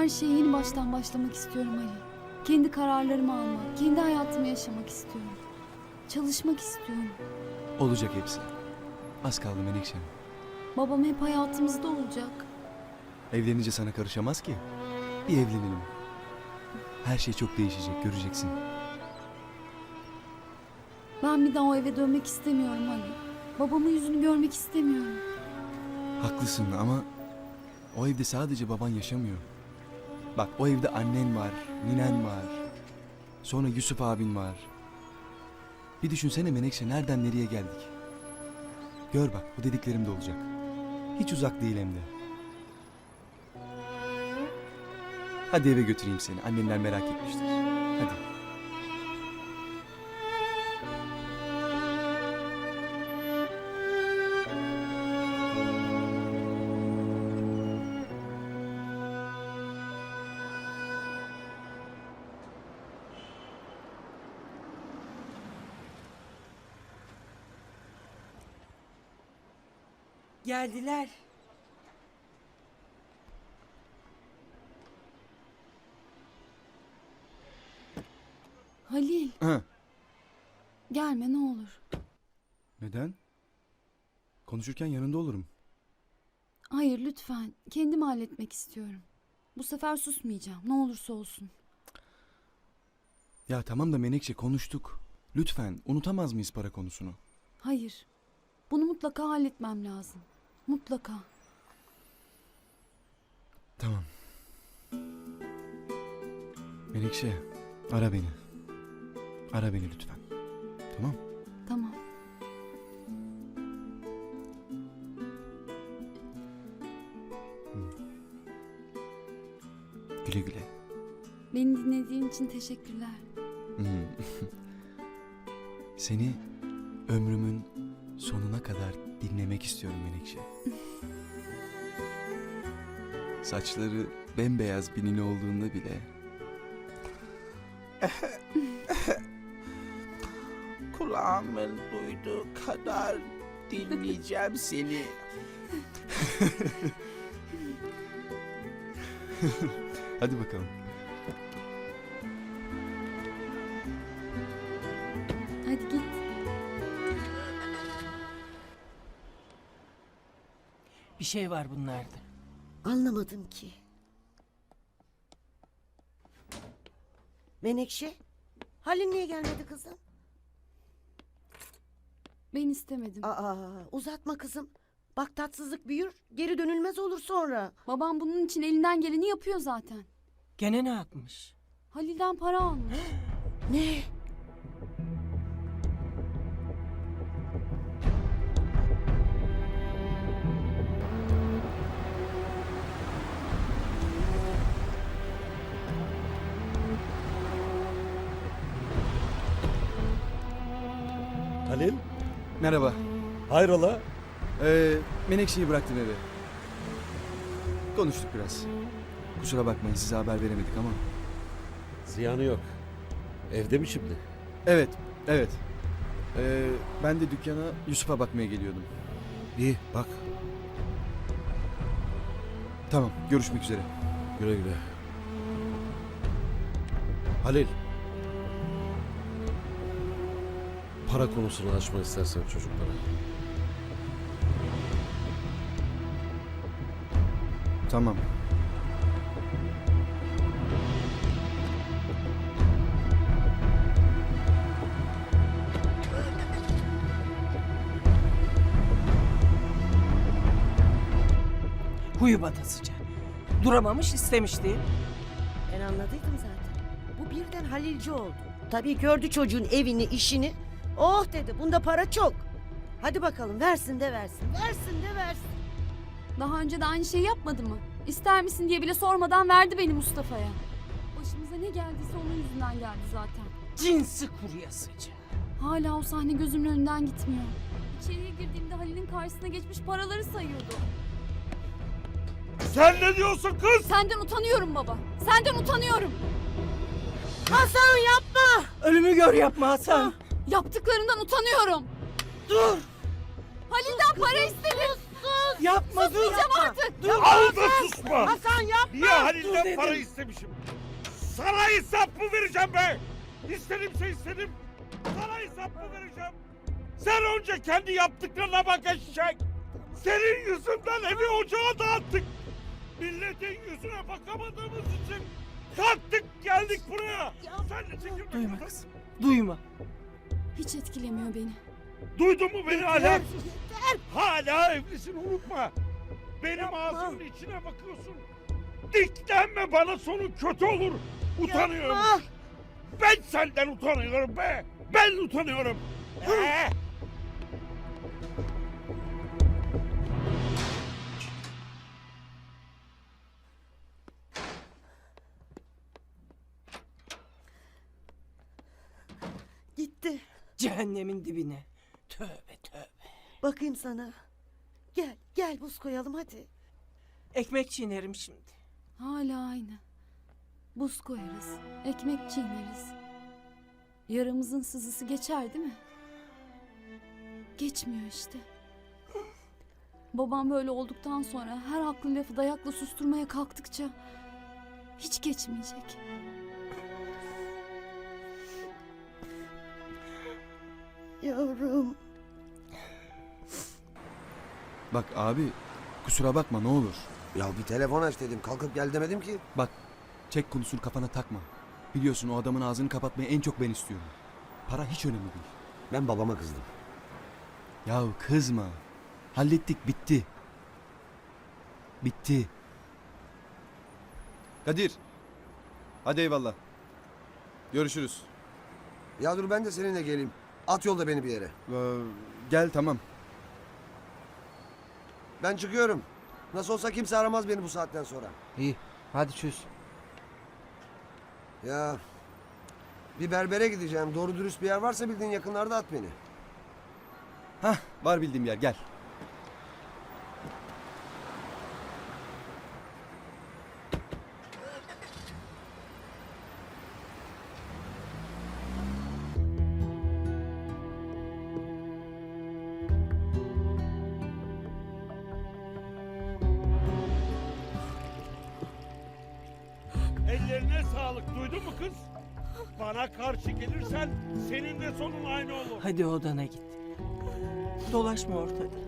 her şeye yeni baştan başlamak istiyorum Ali. Kendi kararlarımı almak, kendi hayatımı yaşamak istiyorum. Çalışmak istiyorum. Olacak hepsi. Az kaldı Menekşem. Babam hep hayatımızda olacak. Evlenince sana karışamaz ki. Bir evlenelim. Her şey çok değişecek, göreceksin. Ben bir daha o eve dönmek istemiyorum Ali. Babamın yüzünü görmek istemiyorum. Haklısın ama o evde sadece baban yaşamıyor. Bak o evde annen var, ninen var. Sonra Yusuf abin var. Bir düşünsene Menekşe, nereden nereye geldik. Gör bak, bu dediklerim de olacak. Hiç uzak değil hem de. Hadi eve götüreyim seni. Annenler merak etmiştir. Hadi. Geldiler. Halil, Ha. gelme ne olur. Neden? Konuşurken yanında olurum. Hayır lütfen, kendim halletmek istiyorum. Bu sefer susmayacağım, ne olursa olsun. Ya tamam da Menekşe, konuştuk. Lütfen, unutamaz mıyız para konusunu? Hayır, bunu mutlaka halletmem lazım. Mutlaka. Tamam. Menekşe, ara beni. Ara beni lütfen. Tamam? Tamam. Güle güle. Beni dinlediğin için teşekkürler. Seni ömrümün sonuna kadar dinlemek istiyorum Menekşe. Saçları bembeyaz bir nine olduğunda bile Kulağımın duyduğu kadar dinleyeceğim seni. hadi bakalım. Hadi git. Bir şey var bunlarda. Anlamadım ki. Menekşe, Halil niye gelmedi kızım? Ben istemedim. Aa, uzatma kızım. Bak tatsızlık büyür, geri dönülmez olur sonra. Babam bunun için elinden geleni yapıyor zaten. Gene ne yapmış? Halil'den para almış. Ne? Halil, Merhaba. hayrola? Menekşe'yi bıraktım eve. Konuştuk biraz. Kusura bakmayın, size haber veremedik ama. Ziyanı yok. Evde mi şimdi? Evet, evet. Ben de dükkana Yusuf'a bakmaya geliyordum. İyi, bak. Tamam, görüşmek üzere. Güle güle. Halil. Para konusunu açma istersen çocuklara. Tamam. Huyu batasıca. Duramamış istemişti. Ben anladıydım zaten. Bu birden Halilci oldu. Tabii gördü çocuğun evini, işini. Oh dedi, bunda para çok. Hadi bakalım, versin de versin, versin de versin. Daha önce de aynı şeyi yapmadı mı? İster misin diye bile sormadan verdi beni Mustafa'ya. Başımıza ne geldiyse onun yüzünden geldi zaten. Cinsi kuryasıca. Hala o sahne gözümün önünden gitmiyor. İçeriye girdiğimde Halil'in karşısına geçmiş paraları sayıyordu. Sen ne diyorsun kız? Senden utanıyorum baba. Senden utanıyorum. Hasan yapma! Ölümü gör yapma Hasan. Yaptıklarından utanıyorum. Dur. Halil'den para istedim. Sus! Yapma dur yapma. Dur. Al da susma. Hasan yapma. Niye Halil'den dedim. para istemişim? Sana hesap mı vereceğim be? İstedimse istedim. Sana hesap mı vereceğim? Sen önce kendi yaptıklarına bak eşek. Senin yüzünden evi ocağa dağıttık. Milletin yüzüne bakamadığımız için kalktık geldik buraya. Sen de çekil Duyma bakalım. kızım. Duyma. Hiç etkilemiyor beni. Duydun mu beni hala? Yeter. Hala evlisin unutma. Benim ağzımın içine bakıyorsun. Diklenme bana sonu kötü olur. Utanıyorum. Yapma. Ben senden utanıyorum be. Ben utanıyorum. Gitti. Cehennemin dibine. Tövbe tövbe. Bakayım sana. Gel gel buz koyalım hadi. Ekmek çiğnerim şimdi. Hala aynı. Buz koyarız, ekmek çiğneriz. Yaramızın sızısı geçer değil mi? Geçmiyor işte. Babam böyle olduktan sonra her haklı lafı dayakla susturmaya kalktıkça hiç geçmeyecek. Yavrum. Bak abi kusura bakma ne olur. Ya bir telefon aç dedim. Kalkıp gel demedim ki. Bak çek konusunu kafana takma. Biliyorsun o adamın ağzını kapatmayı en çok ben istiyorum. Para hiç önemli değil. Ben babama kızdım. Yahu kızma. Hallettik bitti. Bitti. Kadir. Hadi eyvallah. Görüşürüz. Ya dur ben de seninle geleyim. At yolda beni bir yere. Gel tamam. Ben çıkıyorum. Nasıl olsa kimse aramaz beni bu saatten sonra. İyi. Hadi çöz. Ya bir berbere gideceğim. Doğru dürüst bir yer varsa bildiğin yakınlarda at beni. Hah var bildiğim yer gel. Ellerine sağlık duydun mu kız? Bana karşı gelirsen senin de sonun aynı olur. Hadi odana git. Dolaşma ortada.